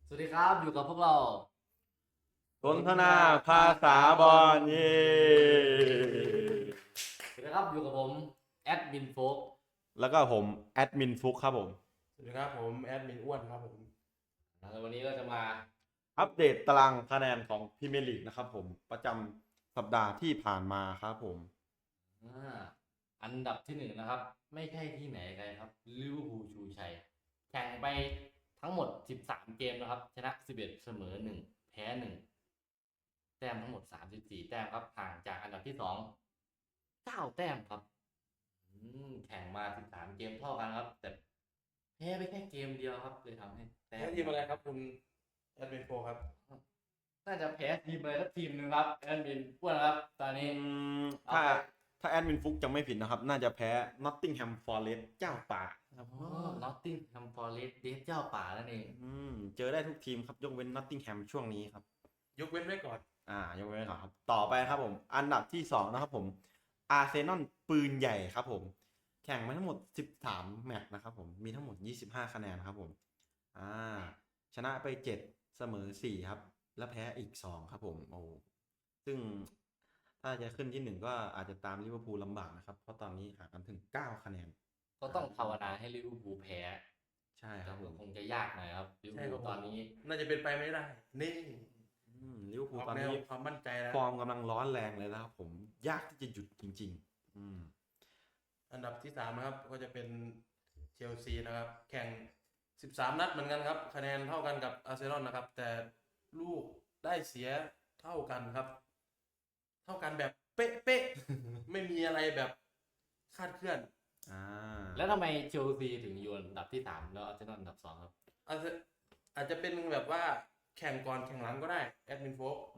สวัสดีครับอยู่กับพวกเราสนทนาภาษาบอลเย่สวัสดีครับอยู่กับผมแอดมินโฟกแล้วก็ผมแอดมินฟุกครับผมสวัสดีครับผมแอดมินอ้วนครับผมแล้ววันนี้ก็จะมาอัปเดตตารางคะแนนของพรีเมียร์ลีกนะครับผมประจำสัปดาห์ที่ผ่านมาครับผมอันดับที่หนึ่งนะครับไม่ใช่ที่ไหนไกลครับลิเวอร์พูลชูชัยแข่งไปทั้งหมด13เกมนะครับชนะ11เสมอ1แพ้1แต้มทั้งหมด34แต้มครับห่างจากอันดับที่2 9แต้มครับแข่งมา13เกมเท่ากันครับแต่แพ้ไปแค่เกมเดียวครับเลยทำให้แต้แอดทีมอะไรครับคุณแอดมินโฟครับน่าจะแพ้ทีมอะไรสักทีมหนึ่งครับแอดมินอ้วนครับตอนนี้ถ้าถ้าแอดมินฟุกจำไม่ผิดนะครับ น่าจะแพ้ Nottingham Forest เจ้าป่าครับนอตติงแฮมฟอร์เรสต์เดฟเจ้าป่านั่นเองเจอได้ทุกทีมครับยกเว้น Nottingham ช่วงนี้ครับยกเว้นไว้ก่อนยกเว้นก่อนครับต่อไปครับผมอันดับที่2นะครับผมอาร์เซนอลปืนใหญ่ครับผมแข่งมาทั้งหมด13แมตช์นะครับผมมีทั้งหมด25คะแนนครับผมชนะไป7เสมอ4ครับแล้วแพ้อีก2ครับผมโอ้ซึ่งถ้าจะขึ้นที่1ก็อาจจะตามลิเวอร์พูลลำบากนะครับเพราะตอนนี้ห่างกันถึง9คะแนนก็ต้องภาวนาให้ลิเวอร์พูลแพ้ใช่ครับผมคงจะยากหน่อยครับลิเวอร์พูลตอนนี้น่าจะเป็นไปไม่ได้ นี่ลิเวอร์พูอลอกตอนแนวนี้ความมั่นใจแล้วฟอร์มกำลังร้อนแรงเลยนะครับผมยากที่จะหยุดจริงๆอันดับที่3นะครับก็จะเป็นเชลซีนะครับแข่ง13นัดเหมือนกันครับคะแนนเท่ากันกับอาร์เซนอลนะครับแต่ลูกได้เสียเท่ากันครับ เท่ากันแบบเป๊ะๆ ไม่มีอะไรแบบคาดเคลื่อนแล้วทำไมเชลซีถึงอยู่อันดับที่3แล้วอาร์เซนอลอันดับ2ครับอาจจะเป็นแบบว่าแข่งก่อนแข่งหลังก็ได้แอดมินโฟก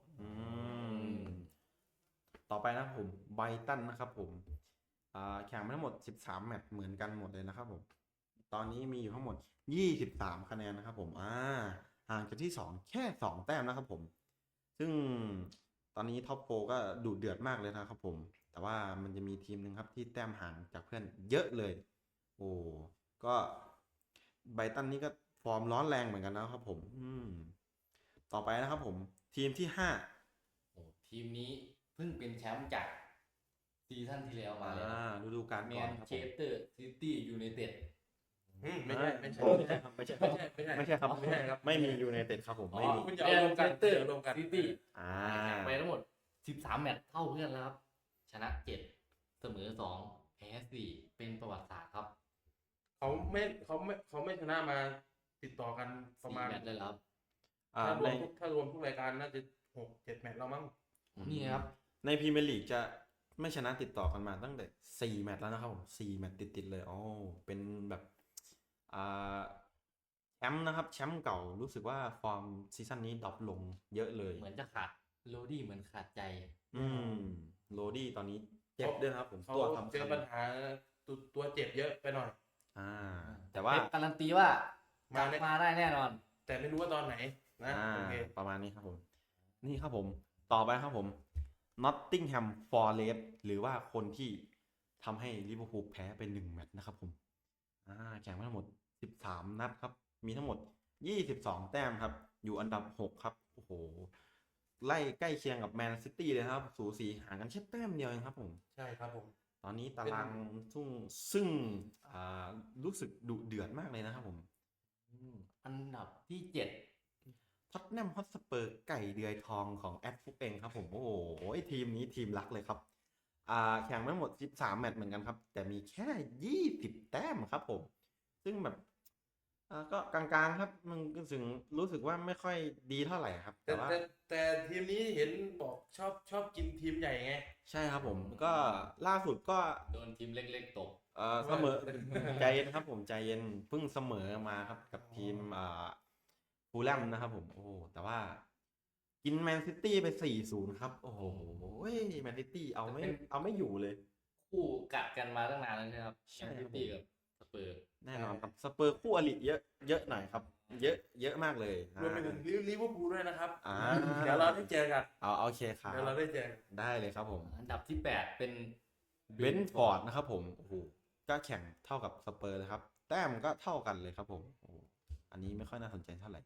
ต่อไปนะครับผมไบรตันนะครับผมแข่งมาทั้งหมด13แมตช์เหมือนกันหมดเลยนะครับผมตอนนี้มีอยู่ทั้งหมด23คะแนนนะครับผมห่างจากที่2แค่2แต้มนะครับผมซึ่งตอนนี้ท็อปโฟก็ดุเดือดมากเลยนะครับผมแต่ว่ามันจะมีทีมหนึ่งครับที่แต้มห่างจากเพื่อนเยอะเลยโอ้ก็ไบรตันนี่ก็ฟอร์มร้อนแรงเหมือนกันนะครับผมต่อไปนะครับผมทีมที่5 ทีมนี้เพิ่งเป็นแชมป์จากซีซั่นที่แล้วมาเลยฤดูกาลแมก่อนนครับเชสเตอร์ซิตี้ยูไนเต็ดไม่ใช่ไม่ใช่ครับไม่ใช่ครับไม่ใช่ครับไม่มียูไนเต็ดครับผมไม่มีคุณอย่าเอารวมกันเตอร์อย่ารวมกันซิตี้แข่งไปทั้งหมด13แมตช์เท่าเพื่อนแล้วครับชนะ7เสมอ2แพ้4เป็นประวัติศาสตร์ครับเขาไม่ชนะมาติดต่อกันประมาณ 4แมตช์เลยครับถ้ารวมทุกรายการน่าจะ6-7 แมตช์แล้วมั้งนี่ครับในพรีเมียร์ลีกจะไม่ชนะติดต่อกันมาตั้งแต่4แมตช์แล้วนะครับผม4แมตช์ติดเลยเป็นแบบแชมป์นะครับแชมป์เก่ารู้สึกว่าฟอร์มซีซั่นนี้ดรอปลงเยอะเลยเหมือนจะขาดโรดี้เหมือนขาดใจโรดี้ตอนนี้เจ็บด้วยนะครับผมเขาตัวสำเจคัอญปัญหาตัวเจ็บเยอะไปหน่อยแต่ว่าการันตีว่ากลับมาได้แน่นอนแต่ไม่รู้ว่าตอนไหนนะโอเคประมาณนี้ครับผมนี่ครับผมต่อไปครับผม Nottingham Forest หรือว่าคนที่ทำให้ลิเวอร์พูลแพ้ไป1แมตช์นะครับผมแข่งมาทั้งหมด13นัดครับมีทั้งหมด22แต้มครับอยู่อันดับ6ครับโอ้โหไล่ใกล้เคียงกับแมนซิตี้เลยครับสูสีห่างกันแค่แต้มเดียวเองครับผมใช่ครับผมตอนนี้ตารางซึ่งรู้สึกดุเดือดมากเลยนะครับผมอันดับที่7 ท็อตแนมฮอตสเปอร์ไก่เดือยทองของแอดฟุกเองครับผมโอ้โหทีมนี้ทีมรักเลยครับแข่งมาทั้งหมด13แมตช์เหมือนกันครับแต่มีแค่20แต้มครับผมซึ่งแบบก็กลางๆครับมันก็รู้สึกว่าไม่ค่อยดีเท่าไหร่ครับแต่ว่าแต่ทีมนี้เห็นบอกชอบกินทีมใหญ่ไงใช่ครับผมก็ล่าสุดก็โดนทีมเล็กๆตกเสมอใจเย็นครับผมใจเย็นเพิ่งเสมอมาครับกับทีมฟูลแลมนะครับผมโอ้แต่ว่ากินแมนซิตี้ไป 4-0 ครับโอ้โหแมนซิตี้เอาไม่อยู่เลยคู่กัดกันมาตั้งนานแล้วใช่ไหมครับใช่ครับซิตี้กับสเปอร์แน่นอนครับสเปอร์คู่อริเยอะหน่อยครับเยอะมากเลยรวมไปถึงลิเวอร์พูลด้วยนะครับเดี๋เดี๋ยวเราได้เจอกันโอเคครับเดี๋ยวเราได้เจอกันได้เลยครับผมอันดับที่8เป็นเบนฟอร์ดนะครับผมโอ้โหก็แข่งเท่ากับสเปอร์เลยครับแต้มก็เท่ากันเลยครับผมโอ้โหอันนี้ไม่ค่อยน่าสนใจเท่าไหร่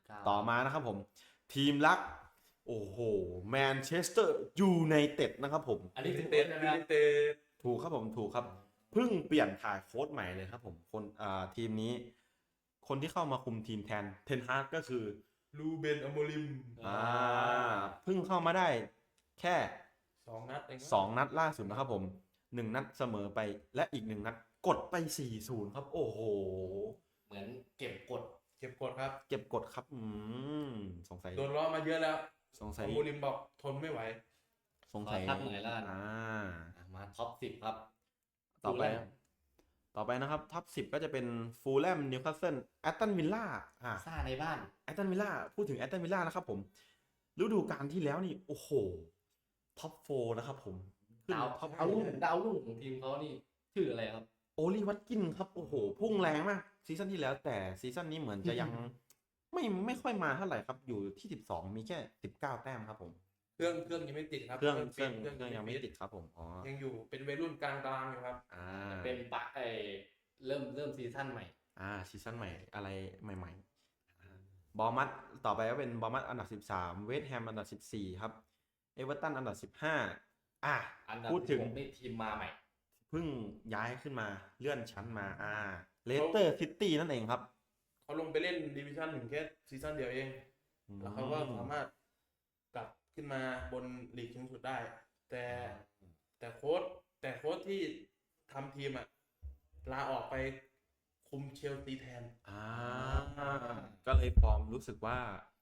ต่อมานะครับผม ทีมรัก โอ้โหแมนเชสเตอร์ยูไนเต็ดนะครับผมอันนี้ยูคือไนเต็ดใช่ไหมยูคไนรับเต็ดถูกครับผมถูกครับ เพิ่งเปลี่ยนถ่ายโค้ชใหม่เลยครับผมคนทีมนี้ คนที่เข้ามาคุมทีมแทนเทนฮากก็คือลูเบนอโมริมอ่าเพิ่งเข้ามาได้แค่ 2 นัดเอง 2 นัดล่าสุดนะครับผม1 นัดเสมอไปและอีก1 นัดกดไป 4-0 ครับ โอ้โหเหมือนเก็บกดเก็บกดครับเก็บกดครับสงสัยโดนล้อมาเยอะแล้วสงสัอย โมริมบอกทนไม่ไหวสงสัยขอทักหน่อยแล้วกัน มาท็อป 10 ครับต่อไปฟูลแลมต่อไปนะครับท็อป 10 ก็จะเป็นฟูลแลมนิวคาสเซิลแอตตันวิลล่าซ่าในบ้านแอตตันวิลล่าพูดถึงแอตตันวิลล่านะครับผมฤดูกาลที่แล้วนี่ โอ้โห ท็อป 4 นะครับผมขึ้นดาวท็อปดาวรุ่งของทีมเขานี่ชื่ออะไรครับโอลีวัตกินครับ โอ้โห พุ่งแรงมากซีซั่นที่แล้วแต่ซีซั่นนี้เหมือนจะยัง ไม่ค่อยมาเท่าไหร่ครับ อยู่ที่ 12 มีแค่ 19 แต้มครับผมเครื่องยังไม่ติดครับเครื่องฟิตยังไม่ติดครับผมอ๋อยังอยู่เป็นวัยรุ่นกลางตารางอยู่ครับเป็นปะเริ่มซีซั่นใหม่ซีซั่นใหม่อะไรใหม่ๆบอร์มัดต่อไปก็เป็นบอร์มัดอันดับ 13 เวสต์แฮมอันดับ 14 ครับเอเวอร์ตันอันดับ 15 อันดับพูดถึง 16นี่ทีมมาใหม่เพิ่งย้ายขึ้นมาเลื่อนชั้นมาเลสเตอร์ซิตี้นั่นเองครับเขาลงไปเล่นดิวิชั่นหนึ่งแค่ซีซั่นเดียวเอง แล้วเขาก็สามารถกลับขึ้นมาบนลีกสูงสุดได้ แต่โค้ชที่ทำทีมลาออกไปคุมเชลซีแทนก็เลยฟอร์มรู้สึกว่า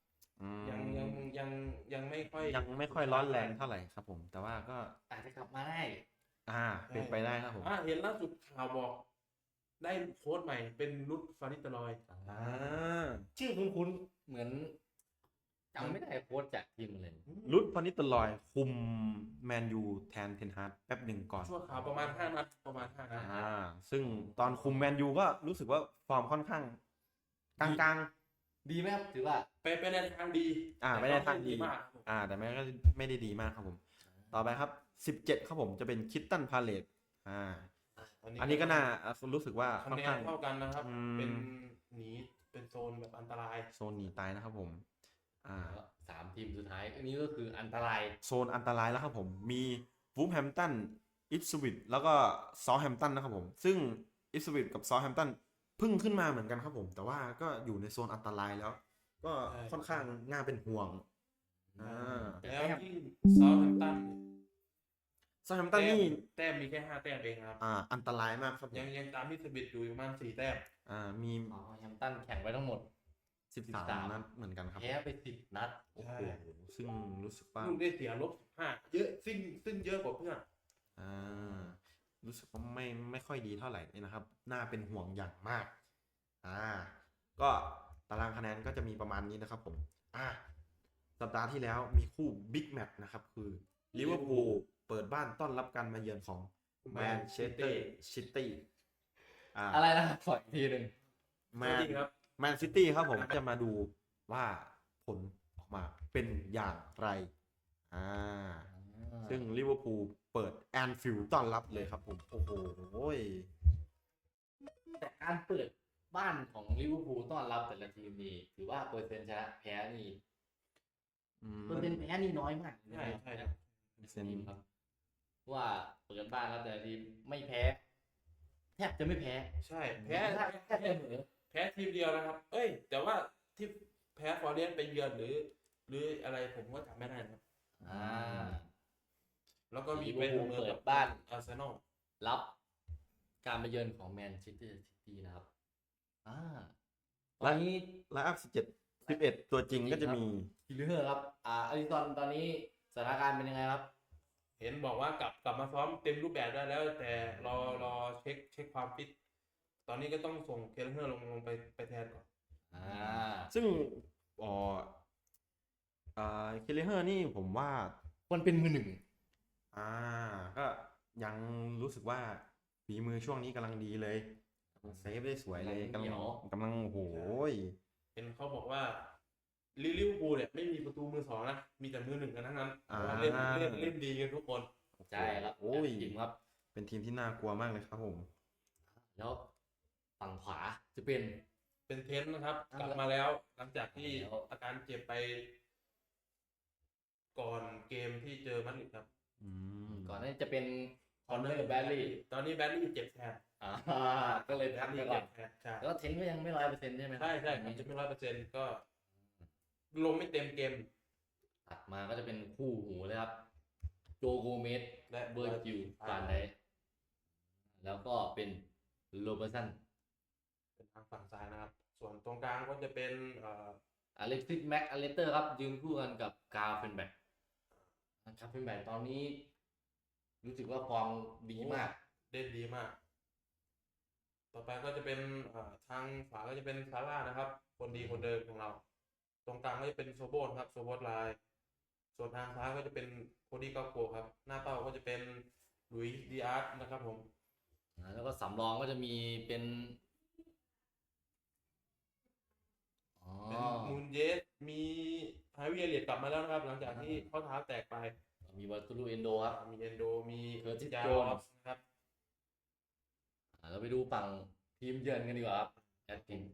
ยังไม่ค่อยยังไม่ค่อยร้อนแรงเท่าไหร่ครับผม แต่ว่าก็อาจจะกลับมาได้เป็นไปได้ครับผมเห็นล่าสุดข่าวบอก ได้โค้ชใหม่เป็นรุดฟานิสเตอรอยชื่อคุ้นๆเหมือนจำไม่ได้โค้ชจากทีมเลยรุดพานิตลอยคุมแมนยูแทนเทนฮาร์ดแป๊บหนึ่งก่อนชั่วข่าวประมาณ 5 นัดซึ่งตอนคุมแมนยูก็รู้สึกว่าฟอร์มค่อนข้างกลางดีไหมครับถือว่าไปในทางดีไปในทางดีมากแต่ไม่ได้ดีมากครับผม ต่อไปครับ 17 ครับผมจะเป็นคิตตันพาเลตอันนี้ก็น่ารู้สึกว่าค่คะอนแนข้าน งเท่ากันนะครับ เป็นหนีเป็นโซนแบบอันตรายโซนหนีตายนะครับผม 3 ทีมสุดท้าย อันนี้ก็คืออันตรายโซนอันตรายแล้วครับผม มีวูฟแฮมป์ตันอิปสวิตแล้วก็ซอแฮมป์ตันนะครับผม ซึ่งอิปสวิตกับซอแฮมป์ตันเพิ่งขึ้นมาเหมือนกันครับผม แต่ว่าก็อยู่ในโซนอันตรายแล้ว ก็ค่อนข้างน่าเป็นห่วงแล้วที่ซาท์แฮมป์ตันซอแฮมป์ตันนี่แต้มมีแค่ 5 แต้มเองครับอันตรายมากครับผมยังตามที่สบิดอยู่ประมาณ 4 แต้มมีแฮมป์ตันแข่งไว้ทั้งหมด 13 นัดเหมือนกันครับแพ้ไป10 นัดโอ้โหซึ่งรู้สึกว่าลูกได้เสียลบ15เยอะซึ่งเยอะกว่าเพื่อนรู้สึกว่าไม่ค่อยดีเท่าไหร่นะครับ น่าเป็นห่วงอย่างมาก ก็ตารางคะแนนก็จะมีประมาณนี้นะครับผม สัปดาห์ที่แล้วมีคู่บิ๊กแมตช์นะครับ คือลิเวอร์พูลเปิดบ้านต้อนรับการมาเยือนของแมนเชสเตอร์ซิตี้อะไรนะขออีกทีหนึ่งแมนซิตี้ครับผมจะมาดูว่าผลออกมาเป็นอย่างไรซึ่งลิเวอร์พูลเปิดแอนฟิลด์ต้อนรับเลยครับผม โอ้โหแต่การเปิดบ้านของลิเวอร์พูลต้อนรับแต่ละทีมนี่ถือว่าเปอร์เซ็นต์ชนะแพ้นี่เปอร์เซ็นต์แพ้นี่น้อยมากใช่ครับครับว่าเปิดบ้านแล้วแต่ละทีมไม่แพ้แทบจะไม่แพ้ใช่แพ้แค่เสมอแพ้ทีมเดียวนะครับ แต่ว่าที่แพ้ฟอร์เรสต์ไปเยือนหรืออะไรผมก็จำไม่ได้นะครับ แล้วก็มีไปเปิดบ้านอาร์เซนอลรับการมาเยือนของแมนเชสเตอร์ซิตี้นะครับตและอนนี้ไลน์อัพ11 ตัวจริงก็จะมีคิลเลอร์ครับอลิซอนตอนนี้สถานการณ์เป็นยังไงครับเห็นบอกว่ากลับมาซ้อมเต็มรูปแบบได้แล้ว แต่รอเช็คความฟิต ตอนนี้ก็ต้องส่งเคลเฮอร์ลงไปแทนก่อนซึ่งเคลเฮอร์นี่ผมว่าคนเป็นมือหนึ่งก็ยังรู้สึกว่าฝีมือช่วงนี้กำลังดีเลยเซฟได้สวยเลยกำลังโอ้โหเห็นเขาบอกว่าลิเวอร์พูลเนี่ยไม่มีประตูมือ 2นะ มีแต่มือ 1กันทั้งนั้นเล่นดีกันทุกคนใช่ครับโอ้ยทีมครับเป็นทีมที่น่ากลัวมากเลยครับผมแล้วฝั่งขวาจะเป็นเป็นเทนต์นะครับอ่ะกลับมาแล้วหลังจากที่แล้วอาการเจ็บไป ก่อนเกมที่เจอมาดริดครับอืมก่อนหน้านี้จะเป็นคอนเนอร์แบดลี่ตอนนี้แบดลี่เจ็บแทนก็เลยแบพัดกลี่ไปก่อเจ็นบแทนใช่แล้วเทนก็ยังไม่100%ใช่ไหมครับใช่ใช่ครับจะไม่100%ก็ลงไม่เต็มเกมถัดมาก็จะเป็นคู่หูเลยครับ โจโกเมสและเบอร์จิวฟานไดแล้วก็เป็นโรเบอร์สันเป็นทางฝั่งซ้ายนะครับ ส่วนตรงกลางก็จะเป็นอเล็กซิสแม็กอเลสเตอร์ครับ ยืนคู่กันกับกาเฟนแบกกาเฟนแบกตอนนี้ รู้สึกว่าฟอร์มดีมากเล่นดีมาก ต่อไปก็จะเป็นทางขวาก็จะเป็นซาร่านะครับ คนดีคนเดิมของเรา ตรงกลางก็จะเป็นโซโบนครับโซโบนไลน์ส่วนทางซ้ายก็จะเป็นโคดี้กาโกครับ หน้าเป้าก็จะเป็นหลุยส์ดีอาร์ตนะครับผมแล้วก็สำรองก็จะมีเป็นอ๋อเป็นมูนเยสมีไฮวิเอเลียตกลับมาแล้วนะครับ หลังจากที่ข้อเท้าแตกไปมีวัตูรูเอนโดครับมีเอนโดมี Curtis ยา Jones รอสนะครับเราไปดูฝั่งทีมเยือนกันดีกว่าครับแอดทีม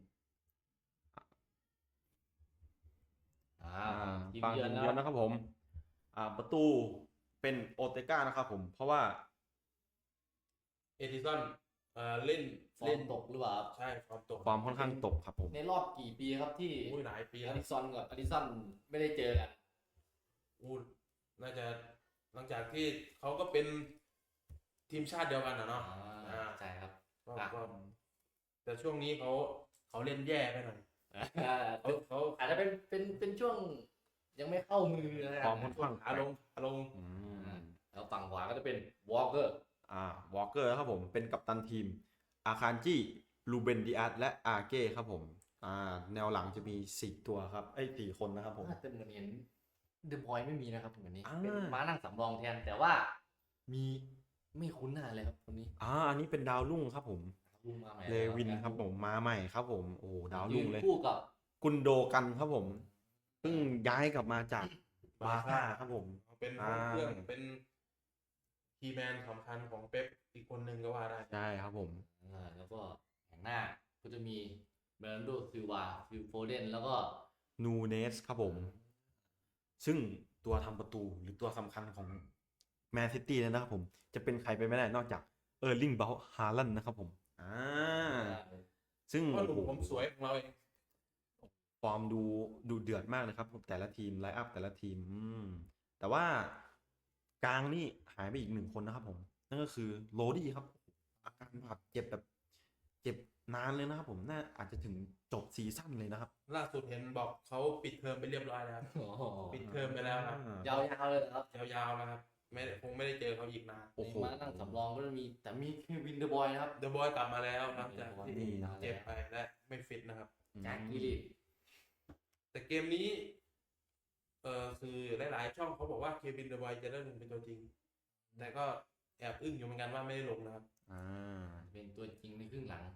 ทีมฝั่งเยือนทีมนะเยือนครับนะครับผม ประตูเป็นโอเตก้านะครับผม เพราะว่าเอดิสันเล่นฟอร์มตกหรือเปล่าครับใช่ฟอร์มตกความค่อนข้างตกครับผมในรอบกี่ปีครับที่อุ้ยหลายปีอแล้วดิซอนกับอดิสันไม่ได้เจอกันอู้น่าจะหลังจากที่เขาก็เป็นทีมชาติเดียวกันนะเนาะใช่ครับก็อ่ะก็แต่ช่วงนี้เขาเล่นแย่ไปหน่อยเขาอาจจะเป็นช่วงยังไม่เข้ามือนะคฟอรัร์บมค่อนข้างขาลงอืมแล้วฝั่งขวาก็จะเป็นวอลเกอร์วอลเกอร์ครับผม เป็นกัปตันทีม อาคารจี้ลูเบนดิอาร์และอาเก้ครับผม แนวหลังจะมี4ตัวครับ4คนนะครับผมแต่เหมือนเห็นเดอะบอยไม่มีนะครับเหมือนนี้อ่าเป็นม้านั่งสำรองแทนแต่ว่ามีไม่คุ้นหน้าเลยครับคนนี้อันนี้เป็นดาวรุ่งครับผมลุงมาใหม่เลวินครับผม มาใหม่ครับผม โอ้ดาวรุ่งเลยคู่กับกุนโดกันครับผม เพิ่งย้ายกลับมาจากบาร์ซ่าครับผมเป็นห้องเครื่องเป็นคีย์แมนสำคัญของเป๊ปอีกคนหนึ่งก็ว่าได้ใช่ครับผมแล้วก็แห่งหน้าก็จะมีเบรนโดซิลวาฟิลโฟเดนแล้วก็นูเนสครับผม ซึ่งตัวทำประตูหรือตัวสำคัญของแมนซิตี้เลยนะครับผม จะเป็นใครไปไม่ได้นอกจากเออร์ลิงเบลฮาลันด์นะครับผมซึ่งเพราะหนุ่มโอ้โหผมสวยของเราเองฟอร์มดูเดือดมากเลยครับแต่ละทีมไลน์อัพแต่ละทีมแต่ว่ากลางนี่หายไปอีก1 คนนะครับผม นั่นก็คือโรดี้ครับ อาการบาดเจ็บแบบเจ็บนานเลยนะครับผมน่าอาจจะถึงจบซีซั่นเลยนะครับล่าสุดเห็นบอกเขาปิดเทอมไปเรียบร้อยแล้ว ปิดเทอมไปแล้วครับยาวๆเลยครับยาวๆแล้วครับคงไม่ได้เจอเขาอีกนานโอ้โหในม้านั่งสำรองก็จะมีแต่มีเควินเดอะบอยนะครับเดอะบอยกลับมาแล้วหลังจากที่นี่เจ็บไปและไม่ฟิตนะครับแจ็คกิลลิตแต่เกมนี้คือหลายๆช่องเขาบอกว่าเควินเดอะบอยจะได้ลงเป็นตัวจริง แต่ก็แอบอึ้งอยู่เหมือนกันว่าไม่ได้ลงนะครับเป็นตัวจริงในครึ่งหลัง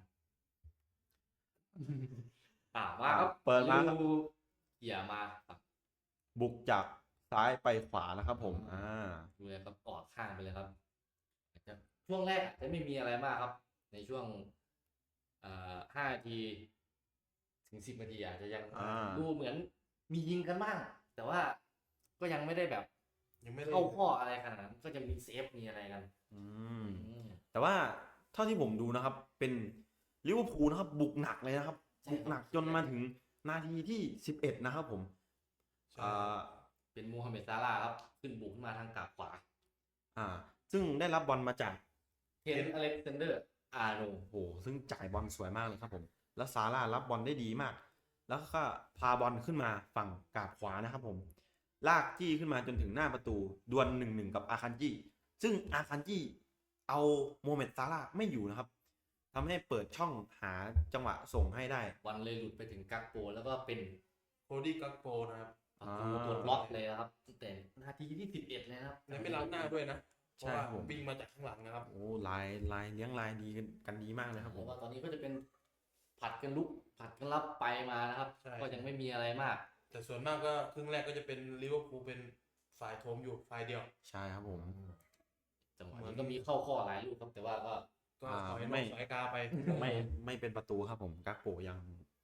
ว่าครับเปิดมาครับดูเขี่ยมาฝั่งบุกจากซ้ายไปขวานะครับผมดูเลยครับออกข้างไปเลยครับอาจจะช่วงแรกอาจจะไม่มีอะไรมากครับ ในช่วง5 นาทีถึง 10 นาทีอาจจะยังดูเหมือนมียิงกันบ้าง แต่ว่าก็ยังไม่ได้แบบยังไม่ได้เข้าข้ออะไรขนาดนั้นก็จะมีเซฟมีอะไรกันแต่ว่าเท่าที่ผมดูนะครับ เป็นลิเวอร์พูลนะครับ บุกหนักเลยนะครับใช่บุกหนักจนมาถึงนาทีที่11นะครับผมใช่เป็นมูฮัมเหม็ดซาลาห์ครับ ขึ้นบุกขึ้นมาทางกาบขวาซึ่งได้รับบอลมาจากเคนอเล็กซานเดอร์อาร์โนโอ้โหซึ่งจ่ายบอลสวยมากเลยครับผม แล้วซาร่ารับบอลได้ดีมาก แล้วก็พาบอลขึ้นมาฝั่งกาบขวานะครับผม ลากจี้ขึ้นมาจนถึงหน้าประตูดวล1-1กับอาคันจี้ซึ่งอาคันจี้เอาโมเมดซาร่าไม่อยู่นะครับทำให้เปิดช่องหาจังหวะส่งให้ได้บอลเลยหลุดไปถึงกักโปแล้วก็เป็นโคดี้กักโปนะครับประตูตัวล็อกเลยนะครับตั้งแต่นาทีที่11เลยนะครับและไม่ล้างหน้าด้วยนะ เพใช่ราะว่าครับผมวิ่งมาจากข้างหลังนะครับโอ้ลายเลี้ยงลายดีกันดีมากเลยครับผแล้มวก็ตอนนี้ก็จะเป็นผัดกันลุกผัดกันรับไปมานะครับใช่ก็ยังไม่มีอะไรมากแต่ส่วนมากก็ครึ่งแรกก็จะเป็นลิเวอร์พูลเป็นฝ่ายโถมอยู่ฝ่ายเดียวใช่ครับผมจังหวะนี้ก็มีเข้าข้อหลายลูกครับแต่ว่าก็ก็อ่าถอยนไม่อกสายกาไปไม่เป็นประตูครับผมกักโปยัง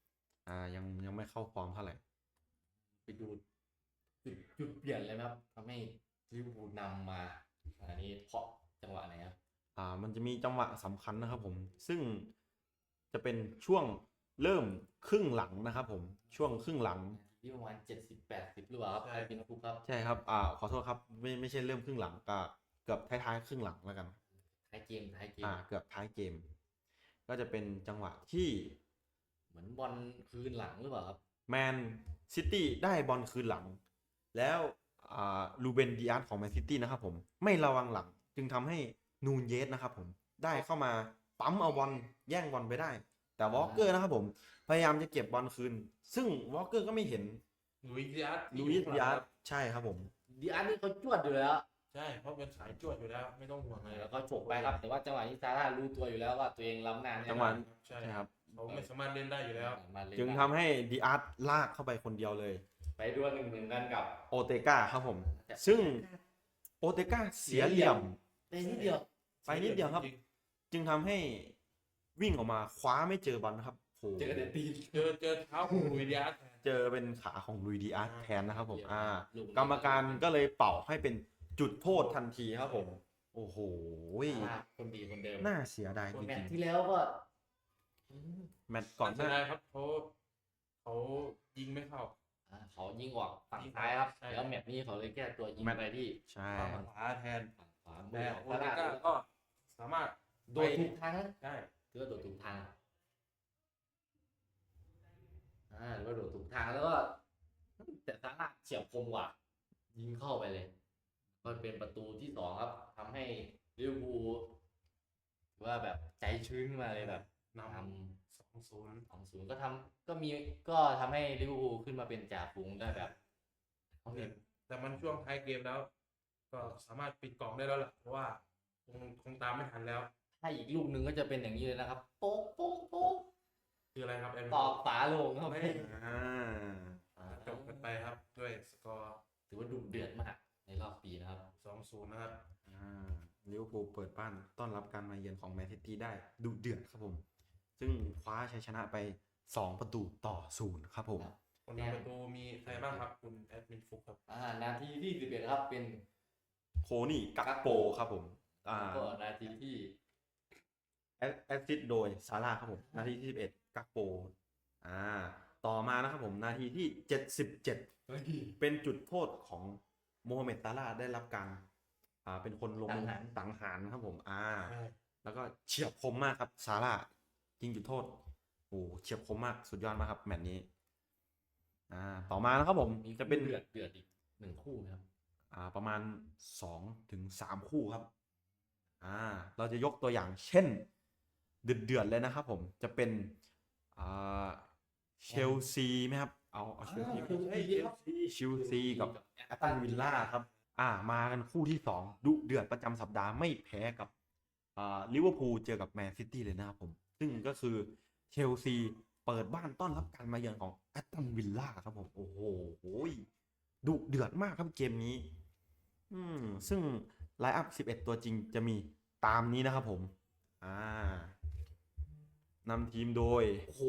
ยังไม่เข้าฟอร์มเท่าไหร่ไปดูจุดเปลี่ยนเลยไหมครับทำให้ลิเวอร์พูลนำมาอันนี้เพราะจังหวะไหนครับมันจะมีจังหวะสำคัญนะครับผม ซึ่งจะเป็นช่วงเริ่มครึ่งหลังนะครับผมช่วงครึ่งหลังที่ประมาณ70-80หรือเปล่าครับใช่ใครเป็นผู้ครับใช่ครับขอโทษครับไม่ใช่เริ่มครึ่งหลังก็เกือบท้ายๆครึ่งหลังแล้วกันท้ายเกมเกือบท้ายเกม ก็จะเป็นจังหวะที่เหมือนบอลคืนหลังหรือเปล่าครับแมนซิตี้ได้บอลคืนหลัง แล้วลูเบนดิอาร์ของแมนซิตี้นะครับผมไม่ระวังหลังจึงทำให้นูนเยสนะครับผมได้เข้ามาปั๊มเอาบอลแย่งบอลไปได้ แต่วอลเกอร์นะครับผมพยายามจะเก็บบอลคืน ซึ่งวอลเกอร์ก็ไม่เห็นลุยส์ดิอาร์ลูอิสดิอาร์ใช่ครับผมดีอาร์นี่เขาจวดอยู่แล้วใช่เพราะเป็นสายจวดอยู่แล้วไม่ต้องห่วงเลยแล้วก็ฉกไปครับ แต่ว่าจังหวะนี้ซาร่ารู้ตัวอยู่แล้วว่าตัวเองล้ำหน้าแน่นอนจังหวะใช่ใช่ครับเขาไม่สามารถเล่นได้อยู่แล้วมาเลยจึงทำให้ดิอาร์ลากเข้าไปคนเดียวเลยไปดวล1-1กันกับโอเตกาครับผม ซึ่งโอเตกาเสียเหลี่ยมได้นิดเดียวไปนิดเดียวครับ จึงทำให้วิ่งออกมาคว้าไม่เจอบอลนะครับโหเจอแต่ตีนเจอเท้าของลุยส์ดิอาร์เจอเป็นขาของลุยดิอาร์แทนนะครับผมลูนี้กรรมการก็เลยเป่าให้เป็นจุดโทษทันทีครับผม โอ้โหซาร่าคนดีคนเดิมน่าเสียดายคจนแมริตงช์ที่แล้วก็อืมๆแมตช์ก่อนหเสียน้าดายครับเขายิงไม่เข้าเขายิงออกฝั่งซ้ายครับใช่แล้วแมตช์นี้เขาเลยแก้ตัวยิงแมตช์ไปที่ใช่ฝั่งขวาแทนฝั่งขวาแต่มืโออเตซาร่าก้าก็สามารถโดนถูกทางนะใช่ถือว่าโดดถูกทางหรือว่าโดดถูกทางแล้วก็แต่ซาร่าเฉียบคมกว่า ยิงเข้าไปเลย ก็เป็นประตูที่2ครับทำให้ลิเวอร์พูลถือว่าแบบใจชื้นขึ้นมาเลยแบบนทำ2-0 ำ2-0ก็ทำให้ลิเวอร์พูลขึ้นมาเป็นจ่าฝูงได้แบบเขาเห็นแต่มันช่วงท้ายเกมแล้ว ก็สามารถปิดกล่องได้แล้วล่ะเพราะว่าคงตามไม่ทันแล้วถ้าอีกลูกหนึ่งก็จะเป็นอย่างนี้เลยนะครับ โป๊กโป๊กโป๊กคืออะไรครับแอมตอกฝาโลงครับไม่ จบกันไปครับด้วยสกอร์ถือว่าดุเดือดมากในรอบปีนะครับ 2-0นะครับลิเวอร์พูลเปิดบ้านต้อนรับการมาเยือนของแมนซิตี้ได้ดุเดือดครับผม ซึ่งคว้าชัยชนะไป2-0ครับผมคนทำประตูมีใครบ้างครับคุณแอดมินฟุกครับนาทีที่11ครับเป็นโคนี่กักโปครับผมก็นาทีที่แอสซิสต์โดยซาร่าครับผมนาทีที่11กักโปต่อมานะครับผมนาทีที่77เป็นจุดโทษของโมฮัมเหม็ดซาร่าได้รับการเป็นคนลงมือสังหารครับผมแล้วก็เฉียบคมมากครับซาร่ายิงจุดโทษโอ้เฉียบคมมากสุดยอดมากครับแมตช์นี้ต่อมานะครับผมมีจะเป็นเดือดอีก1คู่นะครับประมาณ2-3 คู่ครับเราจะยกตัวอย่างเช่นเดือดเลยนะครับผมจะเป็นเชลซีไหมครับเอาเชลซีเชลซีกับแอตตันวิลล่าครับมากันคู่ที่2ดุเดือดประจำสัปดาห์ไม่แพ้กับลิเวอร์พูลเจอกับแมนซิตี้เลยนะครับผมซึ่งก็คือเชลซีเปิดบ้านต้อนรับการมาเยือนของแอตตันวิลล่าครับผมโอ้โหดุเดือดมากครับเกมนี้ซึ่งไลน์อัพ11ตัวจริงจะมีตามนี้นะครับผมนำทีมโดยโอ้โห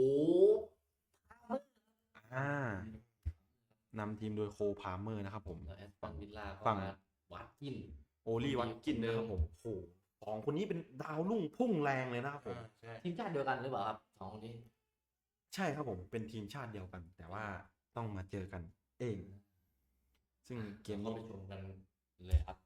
นำทีมโดยโคพาเมอร์นะครับผมแล้วแอสตันวิลล่าก็ฝั่งมาวัดกินโอลี่วัตกินนะครับผมโอ้โห2 คนนี้เป็นดาวรุ่งพุ่งแรงเลยนะครับผมใช่ทีมชาติเดียวกันหรือเปล่าครับ2คนนี้ใช่ครับผมเป็นทีมชาติเดียวกัน แต่ว่าต้องมาเจอกันเอง ซึ่งเกมเรานี้ไปชมกันเลยครับ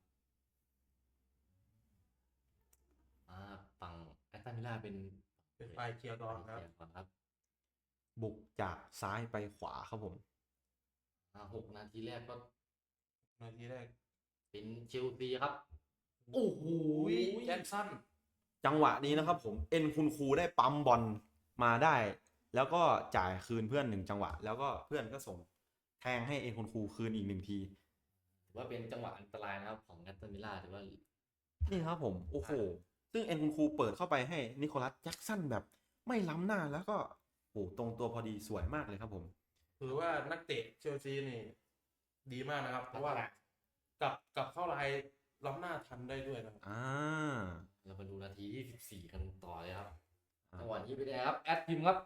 ฝั่งแอสตันวิลล่าเป็นฝ่ายเคลียร์ก่อนครับเชียก่อนครับบุกจากซ้ายไปขวาครับผม 6 นาทีแรกก็นาทีแรกเป็นเชลซีครับ โอ้โหแจ็คสันจังหวะนี้นะครับผมเอ็นคุณครูได้ปั๊มบอลมาได้ แล้วก็จ่ายคืนเพื่อน1 จังหวะ แล้วก็เพื่อนก็ส่งแทงให้เอ็นคุณครูคืนอีก1 ทีถือว่าเป็นจังหวะอันตรายนะครับของแอสตันวิลล่าถือว่านี่ครับผมโอ้โหซึ่งเอ็นคุณครูเปิดเข้าไปให้นิโคลัสแจ็คสันแบบไม่ล้ำหน้าแล้วก็ตรงตัวพอดีสวยมากเลยครับผมถือว่านักเตะเชลซีนี่ดีมากนะครับ เพราะว่ากลับเข้าลายล้ำหน้าทันได้ด้วยนะครับเรามาดูนาทีที่14กันต่อเลยครับจังหวะนี้ไปได้ครับแอดพิมพ์ครับ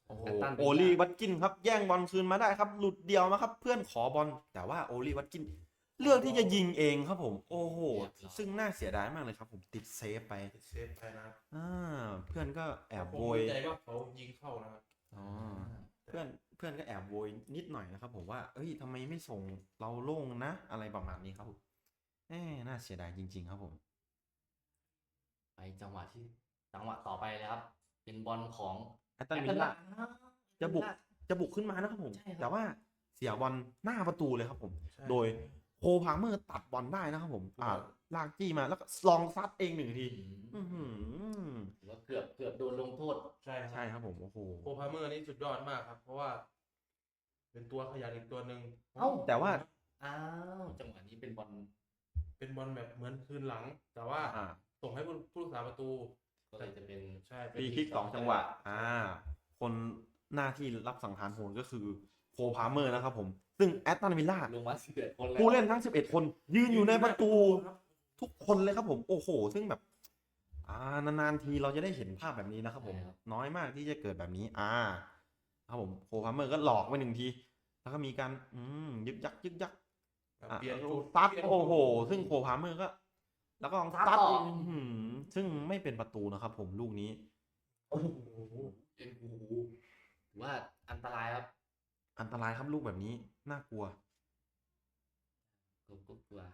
โอ้โหแอตตันวิลล่าโอลี่วัตกินครับแย่งบอลคืนมาได้ครับ หลุดเดียวมาครับ เพื่อนขอบอลแต่ว่าโอลี่วัตกินเลือกที่จะยิงเองครับผม โอ้โห ซึ่งน่าเสียดายมากเลยครับผมติดเซฟไปติดเซฟไปนะครับเพื่อนก็แอบผมโวยมั่นใจว่าเขายิงเข้านะครับอ๋อเพื่อนก็แอบโวยนิดหน่อยนะครับผมว่าเอ้ยทำไมไม่ส่งเราโล่งนะ อะไรประมาณนี้ครับผมน่าเสียดายจริง ๆ ครับผมไปจังหวะต่อไปเลยครับ เป็นบอลของแอตตันวิลล่าจะบุกขึ้นมานะครับผมใช่ครับแต่ว่าเสียบอลหน้าประตูเลยครับผมใช่โดยโคพาเมอร์ตัดบอลได้นะครับผมลากจี้มาแล้วก็ลองซัดเองหนึ่งที อื้อหือถือว่าเกือบโดนลงโทษใช่ครับใช่ครับผมโอ้โหโคพาเมอร์นี่สุดยอดมากครับ เพราะว่า เป็นตัวขยันอีกตัวหนึ่งเอ้าแต่ว่าอ้าวจังหวะนี้เป็นบอลเป็นบอลแบบเหมือนคืนหลัง แต่ว่าอ่าส่งให้ผู้รักษาประตูก็เลยจะเป็นใช่เป็ฟนรีคิก2 จังหวะคนหน้าที่รับสังหารโหดก็คือโคพาเมอร์นะครับผม ซึ่งแอตตันวิลล่าลงมา11 คนแล้วผู้เล่นทั้ง 11 คนยืนอยู่ในประตูครับทุกคนเลยครับผม โอ้โห ซึ่งแบบ นานๆทีเราจะได้เห็นภาพแบบนี้นะครับผม น้อยมากที่จะเกิดแบบนี้ ครับผมโคพาเมอร์ก็หลอกไปหนึ่งที แล้วก็มีการยึกยักเปลี่ยนจุดซัดเปลี่ยนโอ้โห ซึ่งโคพาเมอร์ก็ แล้วก็ซัดอีกซึ่งไม่เป็นประตูนะครับผมลูกนี้โอ้โหเป็นโอ้โหถือว่าอันตรายครับอันตรายครับลูกแบบนี้ น่ากลัวกลัวกลัว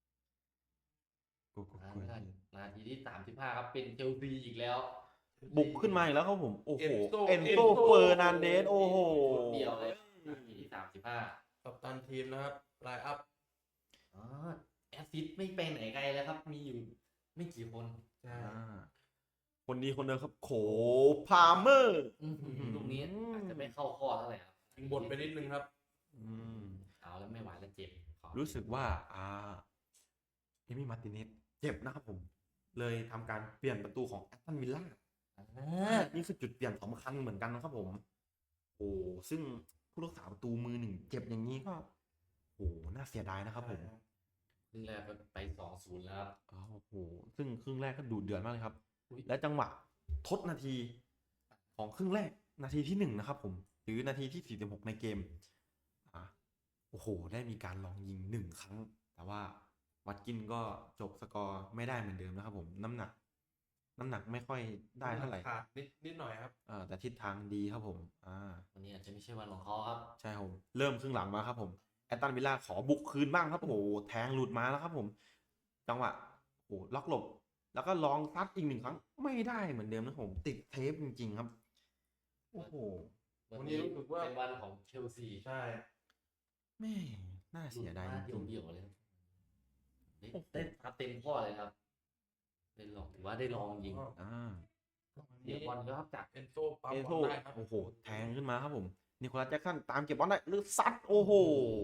นาทีที่35ครับ เป็นเชลซีอีกแล้วบุกขึ้นมาอีกแล้วครับผม โอ้โหเอ็เอ็นนโซโซเฟอร์นันเดส โอ้โหเดียวเลยนาทีที่35 กัปตันทีมนะครับไลน์อัพอ๋อแอสซิสต์ไม่ไปไหนไกลแล้วครับ มีอยู่ไม่กี่คนใช่คนดีคนเดิมครับ โคพาเมอร์ลูกนี้อาจจะไม่เข้าข้อเท่าไหร่ครับยิงบนไปนิดนึงครับเอาแล้วไม่ไหวแล้วเจ็บขอรู้สึกว่าเอมี่มาร์ติเนสเจ็บนะครับผม เลยทำการเปลี่ยนประตูของแอตตันวิลล่า นี่คือจุดเปลี่ยนสำคัญเหมือนกันนะครับผม โอ้ซึ่งผู้รักษาประตูมือหนึ่งเจ็บอย่างนี้ก็ โอ้น่าเสียดายนะครับผมครึ่งแรกไป 2-0 แล้วครับโอ้โห ซึ่งครึ่งแรกก็ดุเดือดมากเลยครับอุ๊ยและจังหวะทดนาทีของครึ่งแรกนาทีที่1นะครับผม หรือนาทีที่46ในเกมโอ้โห ได้มีการลองยิง1 ครั้ง แต่ว่าวัตกินก็จบสกอร์ไม่ได้เหมือนเดิมนะครับผม น้ำหนักไม่ค่อยได้เท่าไหร่ขาดนิดหน่อยครับแต่ทิศทางดีครับผมวันนี้อาจจะไม่ใช่วันของเขาครับใช่ครับผมเริ่มครึ่งหลังมาครับผมแอตตันวิลล่าขอบุกคืนบ้างครับโอ้โหแทงหลุดมาแล้วครับผม จังหวะโอ้โหล็อกหลบ แล้วก็ลองซัดอีก1 ครั้งไม่ได้เหมือนเดิมนะครับผมติดเทปจริงๆครับโอ้โหวันนี้รู้สึกว่าเป็นวันของเชลซีใช่แม่น่าเสียดายจริงเดี่ยวๆเลยครับได้ครับเต็มข้อเลยครับได้ลองถือว่าได้ลองยิง เดี๋ยวบอลก็ครับจากเอนโซปั๊มเอบ โทอลได้ครับโอ้โหแทงขึ้นมาครับผมนิโคลัสแจ็คสันตามเก็บบอลได้หรือซัดโอ้โห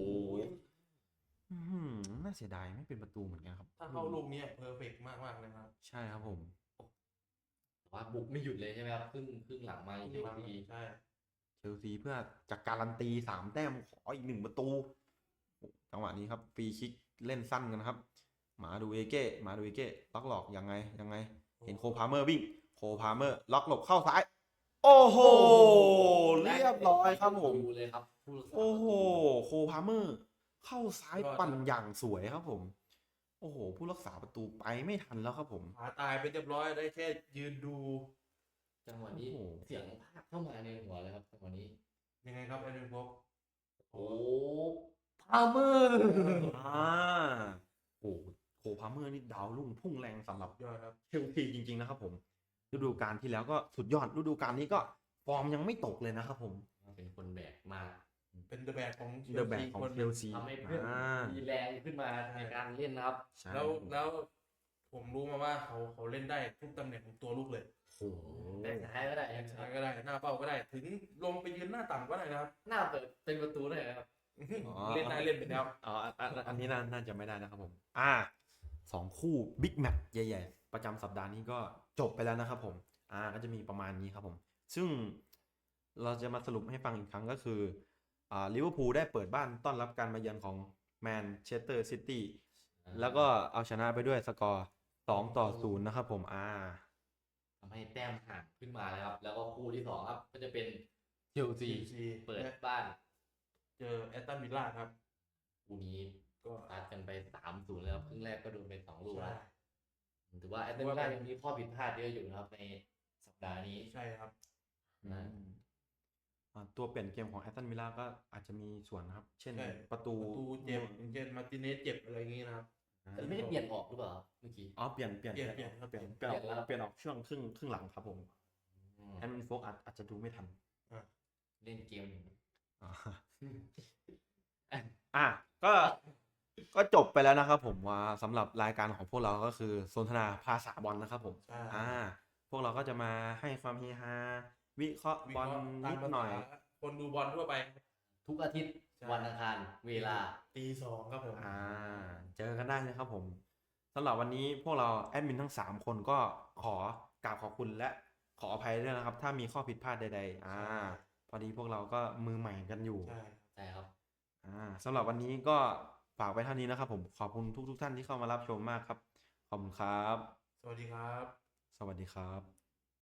น่าเสียดายไม่เป็นประตูเหมือนกันครับถ้าเข้าลูกนี้เพอร์เฟกต์มากเลยครับใช่ครับผมว่าบุกไม่หยุดเลยใช่ไหมครับครึ่งหลังมาอีกทีใช่เชลซีเพื่อจะการันตี3 แต้มขออีก1 ประตูจังหวะนี้ครับฟรีคิกเล่นสั้นกันครับมาดูเอเก้ล็อกหลอกยังไงเห็นโคพาเมอร์วิ่งโคพาเมอร์ล็อกหลบเข้าซ้ายโอ้โหเรียบร้อยครับผมเลยครับผู้รักษาโอ้โหโคพาเมอร์เข้าซ้ายปั่นอย่างสวยครับผมโอ้โหผู้รักษาประตูไปไม่ทันแล้วครับผมขาตายไปเรียบร้อยได้แค่ยืนดูจังหวะนี้โอ้โหเสียงภาคเข้ามาในหัวเลยครับจังหวะนี้ยังไงครับแอดมินพกโอ้พาเมอร์โอ้โคพาเมอร์นี่ดาวรุ่งพุ่งแรงสำหรับยอดครับเชลซีจริงๆนะครับผมฤดูกาลที่แล้วก็สุดยอดฤดูกาลนี้ก็ฟอร์มยังไม่ตกเลยนะครับผมเป็นคนแบกมาเป็นเดอะแบกของเดอะแบกของคนเชลซีทำให้เพื่อนมีแรงขึ้นมาในการเล่นนะครับใช่แล้วผมรู้มาว่าเขาเล่นได้ทุกตำแหน่งของตัวลูกเลยโอ้โหแบกซ้ายก็ได้แบ็คซ้ายก็ได้หน้าเป้าก็ได้ ถึงลงไปยืนหน้าต่ำก็ได้นะครับหน้าเปิดเป็นประตูได้นะครับเล่นได้เล่นไปแล้วอันนี้น่าจะไม่ได้นะครับผม2 คู่บิ๊กแมตช์ใหญ่ๆประจำสัปดาห์นี้ก็จบไปแล้วนะครับผมก็จะมีประมาณนี้ครับผมซึ่งเราจะมาสรุปให้ฟังอีกครั้งก็คือลิเวอร์พูลได้เปิดบ้านต้อนรับการมาเยือนของแมนเชสเตอร์ซิตี้แล้วก็เอาชนะไปด้วยสกอร์2-0นะครับผมทำให้แต้มห่างขึ้นมาแล้วครับ แล้วก็คู่ที่2ครับก็จะเป็นเชลซีซีเปิดบ้านเจอแอตตันวิลล่าครับคู่นี้ก็ตัดกันไป3-0แล้วครึ่งแรกก็โดนไป2 ลูกใช่แล้วถือว่าแอตเลติโกยังมีข้อผิดพลาดเยอะอยู่นะครับในสัปดาห์นี้ใช่ครับนะตัวเปลี่ยนเกมของแอตตันวิลล่าก็อาจจะมีส่วนนะครับ เช่นใช่ประตูเจ็บอย่างเช่นมาร์ติเนสเจ็บอะไรอย่างงี้นะครับแต่ไม่ได้เปลี่ยนออกหรือเปล่าเมื่อกี้อ๋อเปลี่ยนเปลี่ยนครับเปลี่ยนเปลี่ยนแล้วเปลี่ยนออกช่วงครึ่งหลังครับผมอืมแอดมินโฟกอาจจะดูไม่ทันเล่นเกมอยู่อ่า อ่ะก็จบไปแล้วนะครับผมว่าสำหรับรายการของพวกเราก็คือสนทนาภาษาบอลนะครับผมใช่พวกเราก็จะมาให้ความเฮฮาวิเคราะห์บอลนิดหน่อยคนดูบอลทั่วไปทุกอาทิตย์ใช่วันอังคารเวลาตี 2ครับผมเจอกันได้เลยครับผมสำหรับวันนี้พวกเราแอดมินทั้ง3คนก็ขอกราบขอบคุณและขออภัยด้วยนะครับ ถ้ามีข้อผิดพลาดใดๆพอดีพวกเราก็มือใหม่กันอยู่ใช่ใช่ครับสำหรับวันนี้ก็ฝากไว้เท่านี้นะครับผมขอบคุณทุกท่านที่เข้ามารับชมมากครับขอบคุณครับสวัสดีครับสวัสดีครับ